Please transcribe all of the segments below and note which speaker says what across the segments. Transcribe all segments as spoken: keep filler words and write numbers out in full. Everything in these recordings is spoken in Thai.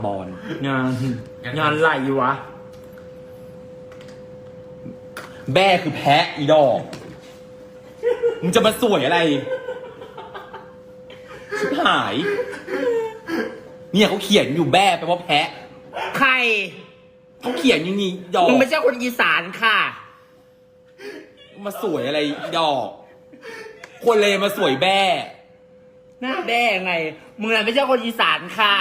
Speaker 1: บอล
Speaker 2: งานงานไหลวะ
Speaker 1: แม่คือแพะอีดอกมึงจะมาสวยอะไรชิบหายเนี่ยเขาเขียนอยู่แม่แปลว่าแพะ
Speaker 2: ใคร
Speaker 1: เขาเขียนอย่างนี้ดอก
Speaker 2: มึงไม่ใช่คนอีสานค่ะ
Speaker 1: มาสวยอะไรดอกคนเลยมาสวยแม่
Speaker 2: หน้าแด้ไงมึงน่ะไม่ใช่คนอีสานค่ะ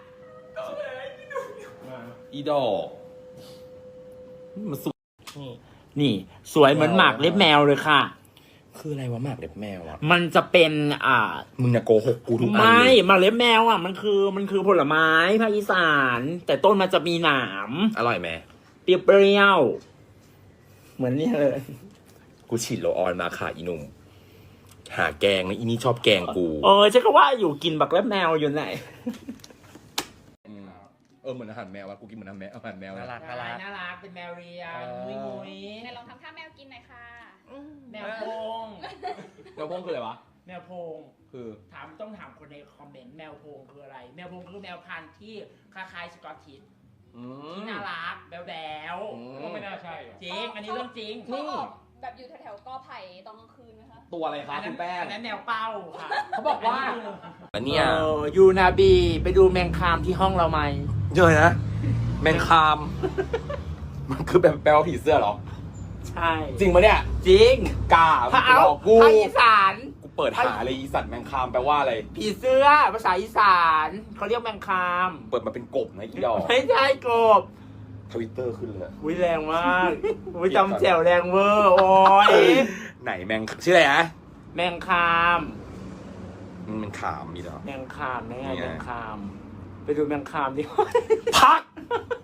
Speaker 1: อีดอกมาสวย
Speaker 2: นี่สวยเหมือนหมากเล็บแมวเลยค่ะ
Speaker 1: คืออะไรวะหมากเล็บแมวอ่ะ
Speaker 2: มันจะเป็นอ่า
Speaker 1: มึงน่ะโกหกกูทุกอัน
Speaker 2: ไม่
Speaker 1: เลย
Speaker 2: หมากเล็บแมวอ่ะมันคือมันคือผลไม้ภาคอีสาน แต่ต้นมันจะมีหนาม
Speaker 1: อร่อยไหม
Speaker 2: เปรี้ยวๆเหมือนนี่เลย
Speaker 1: กูฉีดโลออนมาค่ะอีหนุ่มหาแกงนะอีนี่ชอบแกงกู
Speaker 2: เออฉันก็ว่าอยู่กินบักเล็บแมวอยู่ไหน
Speaker 1: เออเหมือนอาหารแมววะกูกินเหมือนอาหารแมวอาหารแมว
Speaker 2: น่ารักน่ารักน่ารักเป็นแมวเรียนมุ้ยมุ้ย
Speaker 3: ไหนลองทำท่าแมวกินหน่อยค่ะ
Speaker 2: แมวโพง
Speaker 1: แมวพงคืออะไรวะ
Speaker 2: แมวโพง
Speaker 1: คือ
Speaker 2: ถามต้องถามคนในคอมเมนต์แมวโพงคืออะไร แมวโพงคือแมวพันธุ์ที่คล้ายๆสกอตทิช
Speaker 1: อืม
Speaker 2: ที่น่ารักแบ๊ว
Speaker 1: อืม
Speaker 2: ๆก็ไม่น่าใช่จริงอันนี้เรื่องจริง
Speaker 3: เขาออกแบบอยู่แถวๆกอไผ่ตอนกลางคืนไหมคะ
Speaker 1: ตัวอะไรคะ
Speaker 2: อันนั้
Speaker 1: คุ
Speaker 2: น
Speaker 1: ณแป้ง
Speaker 2: อันนั้นแมวเป้าค่ะ
Speaker 1: เขาบอกว่า อันเนี้ย
Speaker 2: เออยูนาบีไปดูแมงคามที่ห้องเราไหม
Speaker 1: เยอะนะแมงคาม มันคือแบบแปลว่าผีเสื้อเหรอ
Speaker 2: ใช่
Speaker 1: จริงปะเนี่ย
Speaker 2: จริง
Speaker 1: กล้า
Speaker 2: ถ้าเอา
Speaker 1: บอกกู
Speaker 2: ภาคอีสาน
Speaker 1: กูเปิดหาเลยอีสัตว์แมงคามแปลว่าอะไร
Speaker 2: ผีเสื้อภาษาอีสานเขาเรียกแมงคาม
Speaker 1: เปิดมาเป็นกบนะอีดอก
Speaker 2: ไม่ใช่กบ
Speaker 1: ทวิตเตอร์ขึ้นเลย
Speaker 2: วิแรงมากวิจำแจ๋วแรงเวอร์โอ้ย
Speaker 1: ไหนแมงชื่ออะไรนะ
Speaker 2: แมงคาม
Speaker 1: มันเป็นขามมีเหรอ
Speaker 2: แมงคามแม่
Speaker 1: นี่ไง
Speaker 2: แมงคาม ไปดูแมงคามดิ
Speaker 1: พัก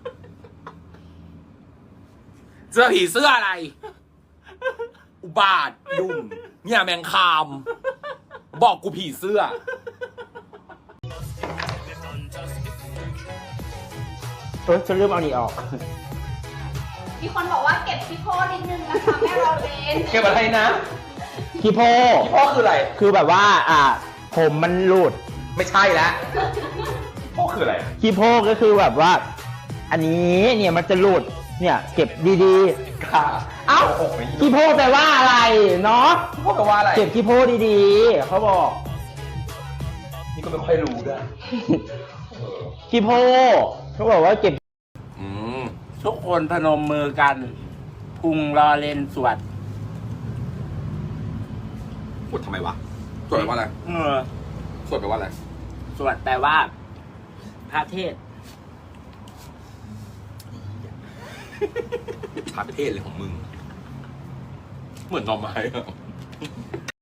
Speaker 1: เสื้อผีเสื้ออะไร อุบาทดุ่มเนี่ยแมงคาม บอกกูผีเสื้อ
Speaker 2: เออฉันเริ่มเอานี่ออก
Speaker 3: มีคนบอกว่าเก็บพี่โพนิดนึงนะคะแม่เราเลน
Speaker 1: เก็บอะไรนะ
Speaker 2: ขี้โพ
Speaker 1: พ่อคืออะไร
Speaker 2: คือแบบว่า อ่า ผมมันหลุด
Speaker 1: ไม่ใช่แล้วพ่อคืออะไร
Speaker 2: ขี้โพก็คือแบบว่า อันนี้เนี่ยมันจะหลุด เนี่ย เก็บดี
Speaker 1: ค่ะ
Speaker 2: ๆ เอ้าขี้โพแปลว่าอะไรเนาะ
Speaker 1: พ่อแปลว่าอะไร
Speaker 2: เก็บขี้โพดีๆ เขาบอก
Speaker 1: นี่ก็ไม่ค่อยรู้ด้วย
Speaker 2: ขี้โพเขาบอกว่าเก็บ
Speaker 1: อืม
Speaker 2: ทุกคนพนมมือกัน พุงรอเลนสวด
Speaker 1: สวดทำไมวะสวดแปลว่าอะไร
Speaker 2: เออ
Speaker 1: สวดแปลว่าอะไร
Speaker 2: สวดแปลว่า พระเทศ
Speaker 1: พระเทศเลยของมึง เหมือนหน่อไม้อะ